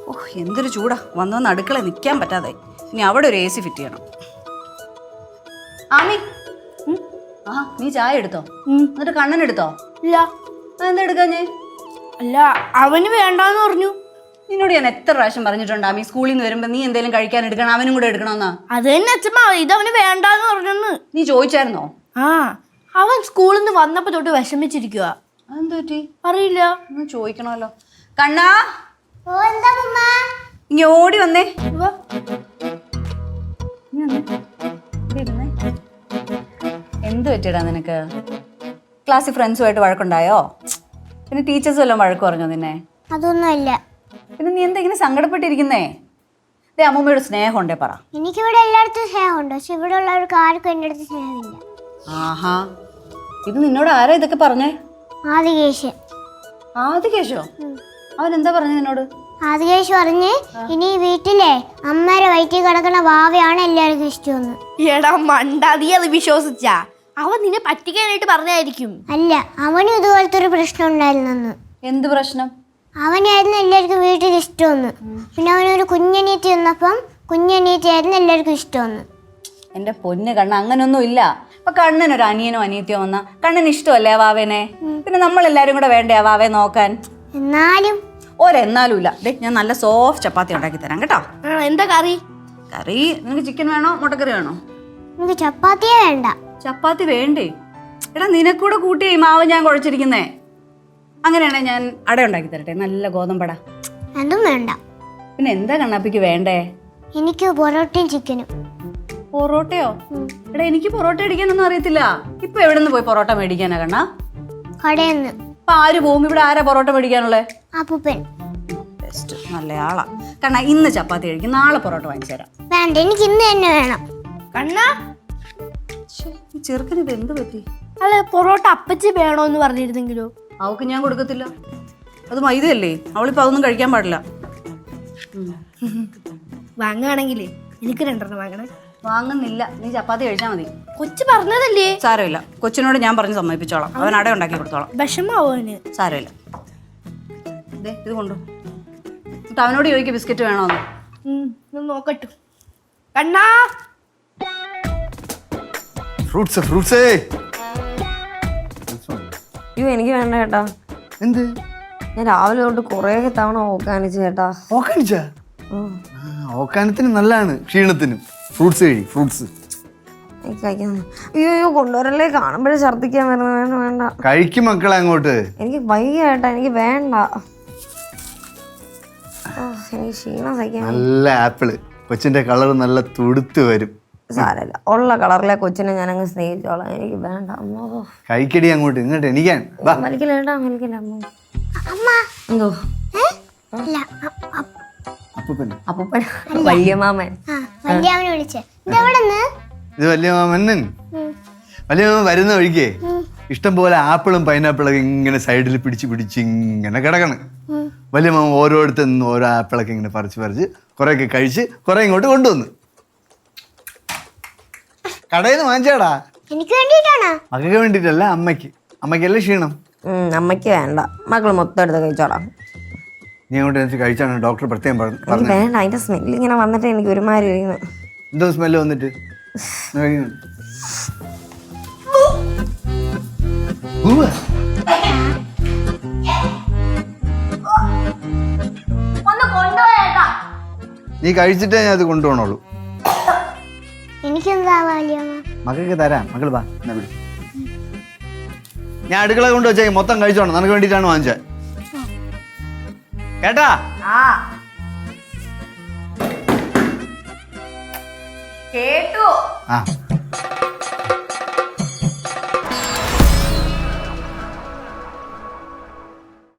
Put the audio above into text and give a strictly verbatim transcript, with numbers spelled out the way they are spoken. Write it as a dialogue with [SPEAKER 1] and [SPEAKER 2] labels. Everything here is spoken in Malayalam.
[SPEAKER 1] ഓ എന്തൊരു ചൂടാ, വന്ന് വന്ന് അടുക്കള നിൽക്കാൻ പറ്റാതെ. ഇനി അവിടെ ഒരു എ സി ഫിറ്റ് ചെയ്യണം. ആമി, ആ നീ ചായ എടുത്തോ? എന്നിട്ട് കണ്ണൻ എടുത്തോ?
[SPEAKER 2] ഇല്ല.
[SPEAKER 1] എന്താ എടുക്കാഞ്ഞേ?
[SPEAKER 2] അല്ല, അവന് വേണ്ടാന്ന് പറഞ്ഞു.
[SPEAKER 1] നിന്നോട് ഞാൻ എത്ര പ്രാവശ്യം പറഞ്ഞിട്ടുണ്ട് ആമി, സ്കൂളിൽ നിന്ന് വരുമ്പോ നീ എന്തെങ്കിലും കഴിക്കാൻ എടുക്കണം, അവനും കൂടെ എടുക്കണമെന്നാ.
[SPEAKER 2] അത് തന്നെ അച്ഛമ്മ, ഇത് അവന് വേണ്ടാന്ന് പറഞ്ഞെന്ന്.
[SPEAKER 1] നീ ചോദിച്ചായിരുന്നോ?
[SPEAKER 2] ആ, അവൻ സ്കൂളിൽ നിന്ന് വന്നപ്പോ തൊട്ട് വിഷമിച്ചിരിക്കുക.
[SPEAKER 1] അതെന്താ പറ്റി?
[SPEAKER 2] അറിയില്ല.
[SPEAKER 1] ഒന്ന് ചോദിക്കണമല്ലോ. കണ്ണാ, ഇങ്ങ ഓടി വന്നേ. എന്ത് പറ്റിയടാ നിനക്ക്? ക്ലാസ്സിൽ ഫ്രണ്ട്സുമായിട്ട് വഴക്കുണ്ടായോ? പിന്നെ ടീച്ചേഴ്സും എല്ലാം വഴക്ക് പറഞ്ഞോ നിന്നെ?
[SPEAKER 3] അതൊന്നുമല്ല.
[SPEAKER 1] പിന്നെ നീ എന്താ ഇങ്ങനെ സങ്കടപ്പെട്ടിരിക്കുന്നേ? ദേ അമ്മൂമ്മയുടെ സ്നേഹം ഉണ്ടേ പറ.
[SPEAKER 3] എനിക്കിവിടെ എല്ലായിടത്തും സ്നേഹമുണ്ട്, പക്ഷെ ഇവിടെ ഉള്ളവർക്ക് ആർക്കും എൻ്റെ അടുത്ത് സ്നേഹമില്ല.
[SPEAKER 1] ആഹാ, ഇത് നിന്നോട് ആരാ ഇതൊക്കെ പറഞ്ഞേ?
[SPEAKER 3] ആദികേശ്.
[SPEAKER 1] ആദികേശോ? അവൻ എന്താ പറഞ്ഞ നിന്നോട്?
[SPEAKER 3] ആദികേശ് പറഞ്ഞ് ഇനി വീട്ടിലെ അമ്മയുടെ വയറ്റിൽ കിടക്കുന്ന വാവയാണ് എല്ലാവർക്കും ഇഷ്ടമെന്ന്.
[SPEAKER 2] എടാ മണ്ട, നീ അത് വിശ്വസിച്ചാ? അവൻ നിന്നെ പറ്റിക്കാനായിട്ട് പറഞ്ഞായിരിക്കും.
[SPEAKER 3] അല്ല, അവനും ഇതുപോലത്തെ ഒരു പ്രശ്നം ഉണ്ടായിരുന്നെന്ന്.
[SPEAKER 1] എന്ത് പ്രശ്നം?
[SPEAKER 3] അവനായിരുന്നു എല്ലാവർക്കും വീട്ടിൽ ഇഷ്ടമെന്ന്. പിന്നെ അവനൊരു കുഞ്ഞനീറ്റി വന്നപ്പം കുഞ്ഞനീറ്റിയായിരുന്നു എല്ലാവർക്കും ഇഷ്ടമെന്ന്.
[SPEAKER 1] എന്റെ പൊന്ന് കണ്ണ, അങ്ങനൊന്നും ഇല്ല. ഇപ്പൊ കണ്ണനൊരു അനിയനോ അനിയത്തിയോ വന്നാ കണ്ണന് ഇഷ്ടമല്ലേ ആ വാവേനെ? പിന്നെ നമ്മളെല്ലാരും കൂടെ വേണ്ടേ ആ വാവയെ നോക്കാൻ?
[SPEAKER 3] എന്നാലും
[SPEAKER 1] ഒരെന്നാലും ഇല്ല. ദേ ഞാൻ നല്ല സോഫ്റ്റ് ചപ്പാത്തി ഉണ്ടാക്കി തരാം കേട്ടോ.
[SPEAKER 2] എന്താ കറി?
[SPEAKER 1] കറി നിനക്ക് ചിക്കൻ വേണോ മുട്ടക്കറി വേണോ?
[SPEAKER 3] എനിക്ക് ചപ്പാത്തിയേ വേണ്ട.
[SPEAKER 1] ചപ്പാത്തി വേണ്ടേ? എടാ നിനക്കൂടെ കൂട്ടി മാവ് ഞാൻ കുഴച്ചിരിക്കുന്നേ. അങ്ങനെയാണെ ഞാൻ അട ഉണ്ടാക്കി തരട്ടെ, നല്ല ഗോതമ്പട.
[SPEAKER 3] അതും വേണ്ട.
[SPEAKER 1] പിന്നെ എന്താ കണ്ണാപ്പിക്ക് വേണ്ടേ?
[SPEAKER 3] എനിക്ക് പൊറോട്ടയും ചിക്കനും.
[SPEAKER 1] പൊറോട്ടയോ? എടാ എനിക്ക് പൊറോട്ട അടിക്കാനൊന്നും അറിയത്തില്ല. ഇപ്പൊ എവിടെ നിന്ന് പോയി പൊറോട്ട മേടിക്കാനാ കണ്ണാ?
[SPEAKER 3] കടയെന്ന്.
[SPEAKER 1] ഇപ്പൊ ആര് പോവും? ഇവിടെ ആരാ പൊറോട്ട മേടിക്കാനുള്ളേ?
[SPEAKER 3] അപ്പൂപ്പൻ.
[SPEAKER 1] ബെസ്റ്റ്, നല്ല ആളാ. കണ്ണാ ഇന്ന് ചപ്പാത്തി കഴിക്കും, നാളെ പൊറോട്ട വാങ്ങിച്ചു തരാം.
[SPEAKER 3] വേണ്ട, എനിക്ക് ഇന്ന് തന്നെ വേണം.
[SPEAKER 2] കണ്ണാ,
[SPEAKER 1] ചെറുക്കന് ഇത് എന്ത് പറ്റി?
[SPEAKER 2] അല്ല, പൊറോട്ട അപ്പച്ചി വേണോന്ന് പറഞ്ഞിരുന്നെങ്കിലോ?
[SPEAKER 1] അവക്ക് ഞാൻ കൊടുക്കത്തില്ല, അത് മൈദയല്ലേ. അവളിപ്പോ അതൊന്നും കഴിക്കാൻ പാടില്ല.
[SPEAKER 2] വാങ്ങുകയാണെങ്കിലേ എനിക്ക് രണ്ടെണ്ണം വാങ്ങണേ.
[SPEAKER 1] വാങ്ങുന്നില്ല, നീ ചപ്പാത്തി കഴിച്ചാൽ മതി.
[SPEAKER 2] കൊച്ചു പറഞ്ഞതല്ലേ?
[SPEAKER 1] സാരമില്ല, കൊച്ചിനോട് ഞാൻ പറഞ്ഞ് സമ്മതിപ്പിച്ചോളാം. അവൻ അട ഉണ്ടാക്കി കൊടുത്തോളാം.
[SPEAKER 2] വിഷമാവോ അവന്?
[SPEAKER 1] സാരമില്ല. ഇതേ ഇത് കൊണ്ടു. എന്നിട്ട് അവനോട് ചോദിക്കുക ബിസ്ക്കറ്റ് വേണോന്ന്.
[SPEAKER 2] നോക്കട്ടു. കണ്ണാ,
[SPEAKER 4] ഫ്രൂട്ട്സ് ഫ്രൂട്ട്സേ.
[SPEAKER 5] അയ്യോ എനിക്ക് വേണ്ട ചേട്ടാ.
[SPEAKER 4] എന്ത്?
[SPEAKER 5] ഞാൻ രാവിലെ തൊട്ട് കുറേ തവണ ഓക്കാനിച്ചു ചേട്ടാ.
[SPEAKER 4] ഓക്കാനിച്ചാ? ഓക്കാനത്തിന് നല്ലതാണ്, ക്ഷീണത്തിനും. ഫ്രൂട്ട്സ് കഴി, ഫ്രൂട്ട്സ്.
[SPEAKER 5] എനിക്ക് കഴിക്കാൻ അയ്യോ അയ്യോ കൊണ്ടുവരല്ലേ, കാണുമ്പോഴേ ഛർദ്ദിക്കാൻ വരുന്നത്. വേണ്ട വേണ്ട,
[SPEAKER 4] കഴിക്കും മക്കളെ അങ്ങോട്ട്.
[SPEAKER 5] എനിക്ക് വയ്യ ചേട്ടാ, എനിക്ക് വേണ്ട. എനിക്ക് ക്ഷീണം സഹിക്കാൻ.
[SPEAKER 4] നല്ല ആപ്പിള്, കൊച്ചിന്റെ കളർ നല്ല തുടുത്ത് വരും.
[SPEAKER 5] സാരമില്ല, ഉള്ള കളറിലെ കൊച്ചിനെ ഞാൻ അങ്ങ് സ്നേഹിച്ചോളാം. എനിക്ക് വേണ്ട.
[SPEAKER 4] കഴിക്കടി അങ്ങോട്ട്, ഇങ്ങോട്ട് എണീക്കാൻ.
[SPEAKER 5] വലിക്കില്ല ചേട്ടാ, വലിക്കില്ല.
[SPEAKER 3] അമ്മ.
[SPEAKER 5] എന്തോ?
[SPEAKER 3] അല്ല,
[SPEAKER 4] അപ്പൂപ്പൻ.
[SPEAKER 5] അപ്പൂപ്പൻ, വലിയ മാമൻ.
[SPEAKER 3] വലിയവനെ വിളിച്ചേ. ഇതെവിടെന്ന്?
[SPEAKER 4] ഇത് വലിയ മാമന്നൻ. വലിയ മാമൻ വരുന്ന വഴിക്കേ ഇഷ്ടം പോലെ ആപ്പിളും പൈനാപ്പിളൊക്കെ ഇങ്ങനെ സൈഡിൽ പിടിച്ച് പിടിച്ച് ഇങ്ങനെ കിടക്കണം. വലിയ മാമൻ ഓരോരുത്തർ നിന്ന് ഓരോ ആപ്പിളൊക്കെ ഇങ്ങനെ പറിച്ച് പറിച്ച് കുറേയൊക്കെ കഴിച്ച് കുറെ ഇങ്ങോട്ട് കൊണ്ടുവന്നു. കടയിൽ നിന്ന് വാങ്ങിച്ചാടാ.
[SPEAKER 3] എനിക്ക് വേണ്ടിട്ടാണ്.
[SPEAKER 4] മകൾക്ക് വേണ്ടിട്ടല്ല, അമ്മയ്ക്ക്. അമ്മയ്ക്കല്ലേ ക്ഷീണം.
[SPEAKER 5] അമ്മയ്ക്ക് വേണ്ട, മക്കള് മൊത്തം എടുത്ത് കഴിച്ചോളാം.
[SPEAKER 4] നീ അങ്ങോട്ട് എനിക്ക് കഴിച്ചാണ് ഡോക്ടർ പ്രത്യേകം പറഞ്ഞു.
[SPEAKER 5] വേണ്ട, അതിന്റെ സ്മെല്ല് ഇങ്ങനെ വന്നിട്ട് എനിക്ക് ഒരുമാതിരി ഇരിക്കുന്നു.
[SPEAKER 4] എന്തോ സ്മെല്ല് വന്നിട്ട്? നീ കഴിച്ചിട്ടേ ഞാൻ അത് കൊണ്ടുപോകണുള്ളൂ.
[SPEAKER 3] എനിക്കെന്താ വലിയമ്മ?
[SPEAKER 4] മകൾക്ക് തരാം. മകൾ വാ, എന്നാ വിളി. ഞാൻ അടുക്കള കൊണ്ട് വെച്ചേ മൊത്തം കഴിച്ചോണം. നിനക്ക് വേണ്ടിയിട്ടാണ് വാങ്ങിച്ചത് കേട്ടാ.
[SPEAKER 1] കേട്ടു.
[SPEAKER 4] ആ